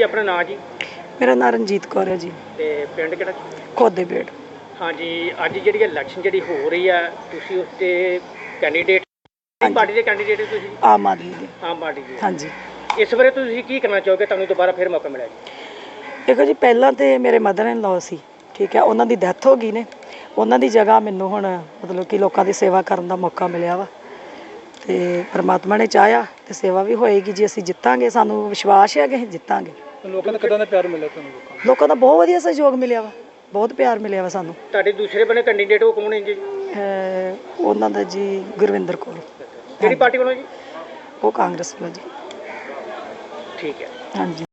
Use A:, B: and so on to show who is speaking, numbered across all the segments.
A: अपना नाम जी?
B: मेरा नाम रंजीत कौर है जी।
A: ਤੇ ਪਿੰਡ ਕਿਹੜਾ?
B: खोदे बेड़।
A: ਹਾਂਜੀ, ਅੱਜ ਜਿਹੜੀ ਇਲੈਕਸ਼ਨ ਜਿਹੜੀ ਹੋ ਰਹੀ ਆ, ਤੁਸੀਂ ਉਸ 'ਤੇ ਕੈਂਡੀਡੇਟ ਕਿਹੜੀ ਪਾਰਟੀ ਦੇ ਕੈਂਡੀਡੇਟ ਹੋ ਤੁਸੀਂ?
B: आम आदमी दे।
A: ਆਮ ਪਾਰਟੀ ਦੇ।
B: हाँ जी।
A: ਇਸ ਬਾਰੇ ਤੁਸੀਂ ਕੀ ਕਰਨਾ ਚਾਹੋਗੇ, ਤੁਹਾਨੂੰ ਦੁਬਾਰਾ ਫਿਰ ਮੌਕਾ ਮਿਲਿਆ ਜੀ?
B: देखो जी, पहला तो मेरे मदर इन लॉ सी, ठीक है, उन्हों की डैथ हो गई ने, उन्हों की जगह मैनू हुण मतलब कि लोगों की सेवा करने का मौका मिलिया वा, ते परमात्मा ने चाहया तो सेवा भी होएगी जी। असीं जितांगे, सानू विश्वास है कि असीं जितांगे।
A: ਲੋਕਾਂ ਦਾ ਕਿਦਾਂ ਦਾ ਪਿਆਰ ਮਿਲਿਆ ਤੁਹਾਨੂੰ?
B: लोगों का बहुत वधिया सहयोग मिलिया वा, बहुत प्यार मिलिया वा सानू।
A: ਤੁਹਾਡੇ ਦੂਸਰੇ ਬਣੇ ਕੈਂਡੀਡੇਟ ਉਹ ਕੌਣ ਹੈ ਜੀ?
B: उन्हों दा जी गुरविंदर कौर।
A: ਕਿਹੜੀ ਪਾਰਟੀ ਵੱਲੋਂ ਜੀ?
B: वो कांग्रेस वाला जी।
A: ਠੀਕ ਹੈ।
B: हाँ जी।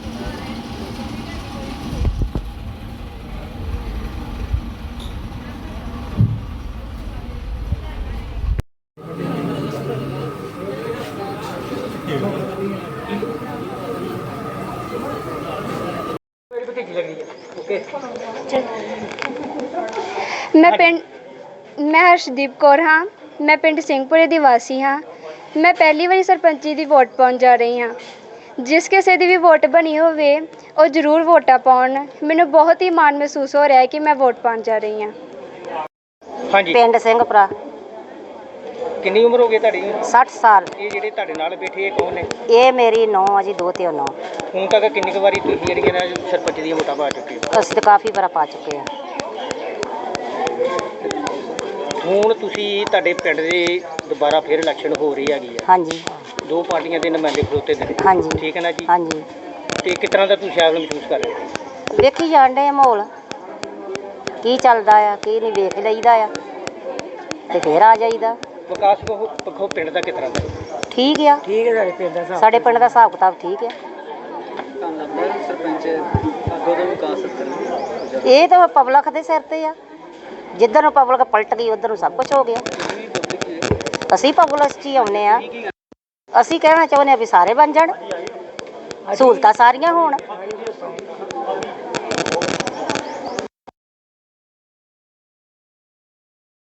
A: ਮੇਰੀ ਭਤੀਜੀ ਲੱਗ ਰਹੀ ਹੈ। ਓਕੇ।
C: मैं हर्षदीप कौर हाँ। मैं पिंड ਸਿੰਘਪੁਰੇ ਦੀ ਵਾਸੀ ਹਾਂ। ਮੈਂ ਪਹਿਲੀ ਵਾਰੀ ਸਰਪੰਚੀ ਦੀ ਵੋਟ ਪਾਉਣ ਜਾ ਰਹੀ ਹਾਂ। ਜਿਸ ਕਿਸੇ ਦੀ ਵੀ ਵੋਟ ਬਣੀ ਹੋਵੇ ਉਹ ਜ਼ਰੂਰ ਵੋਟਾਂ ਪਾਉਣ। ਮੈਨੂੰ ਬਹੁਤ ਹੀ ਮਾਣ ਮਹਿਸੂਸ ਹੋ ਰਿਹਾ ਹੈ ਕਿ ਮੈਂ ਵੋਟ ਪਾਉਣ ਜਾ ਰਹੀ ਹਾਂ।
A: ਹਾਂਜੀ,
D: ਪਿੰਡ ਸਿੰਘਪੁਰਾ।
A: ਕਿੰਨੀ ਉਮਰ ਹੋ ਗਈ ਤੁਹਾਡੀ?
D: 60 ਸਾਲ।
A: ਇਹ ਜਿਹੜੇ ਤੁਹਾਡੇ ਨਾਲ ਬੈਠੇ ਇਹ ਕੌਣ ਨੇ?
D: ਇਹ ਮੇਰੀ ਨੂੰਹ ਆ ਜੀ, ਦੋ ਤੇ ਨੂੰਹ।
A: ਹੁਣ ਤੱਕ ਕਿੰਨੀ ਕੁ ਵਾਰੀ ਤੁਸੀਂ ਜਿਹੜੀਆਂ ਨੇ ਸਰਪੰਚ ਦੀਆਂ ਵੋਟਾਂ ਪਾ ਚੁੱਕੇ ਹੋ?
D: ਅਸੀਂ ਤਾਂ ਕਾਫੀ ਵਾਰ ਪਾ ਚੁੱਕੇ ਹਾਂ।
A: ਹੁਣ ਤੁਸੀਂ ਤੁਹਾਡੇ ਪਿੰਡ ਦੇ ਦੁਬਾਰਾ ਫਿਰ ਇਲੈਕਸ਼ਨ ਹੋ ਰਹੀ ਹੈਗੀ ਆ,
D: ਹਾਂਜੀ
A: ਦੋ ਪਾਰਟੀਆਂ ਦੇ ਨੁਮਾਇੰਦੇ ਖਲੋਤੇ ਨੇ,
D: ਹਾਂਜੀ
A: ਠੀਕ ਹੈ ਨਾ ਜੀ?
D: ਹਾਂਜੀ।
A: ਤੇ ਕਿਸ ਤਰ੍ਹਾਂ ਦਾ ਤੁਸੀਂ ਆਪ ਨੂੰ ਮਹਿਸੂਸ ਕਰ ਰਹੇ ਹੋ?
D: ਵੇਖੀ ਜਾਣ ਡੇ ਮਾਹੌਲ ਕੀ ਚੱਲਦਾ ਆ, ਕੀ ਨਹੀਂ, ਵੇਖ ਲਈਦਾ ਆ ਤੇ ਫਿਰ ਆ ਜਾਈਦਾ।
A: ਵਿਕਾਸ ਪੱਖੋਂ ਪਿੰਡ ਦਾ ਕਿਸ ਤਰ੍ਹਾਂ ਦਾ?
D: ਠੀਕ ਆ,
B: ठीक है। साढ़े पिंड दा
D: ਸਾਡੇ ਪਿੰਡ ਦਾ ਹਿਸਾਬ ਕਿਤਾਬ ਠੀਕ ਆ।
A: ਸਰਪੰਚ ਅੱਗੋਂ ਦਾ ਵਿਕਾਸ
D: ਇਹ ਤਾਂ ਪਬਲਿਕ ਦੇ ਸਿਰ ਤੇ ਆ। ਜਿੱਧਰ ਨੂੰ ਪਬਲਿਕ ਪਲਟ ਗਈ ਉੱਧਰ ਨੂੰ ਸਭ ਕੁਝ ਹੋ ਗਿਆ। ਅਸੀਂ ਪਬਲਿਕ 'ਚ ਹੀ ਆਉਂਦੇ ਆ। ਅਸੀਂ ਕਹਿਣਾ ਚਾਹੁੰਦੇ ਆ ਵੀ ਸਾਰੇ ਬਣ ਜਾਣ, ਸਹੂਲਤਾਂ ਸਾਰੀਆਂ ਹੋਣ।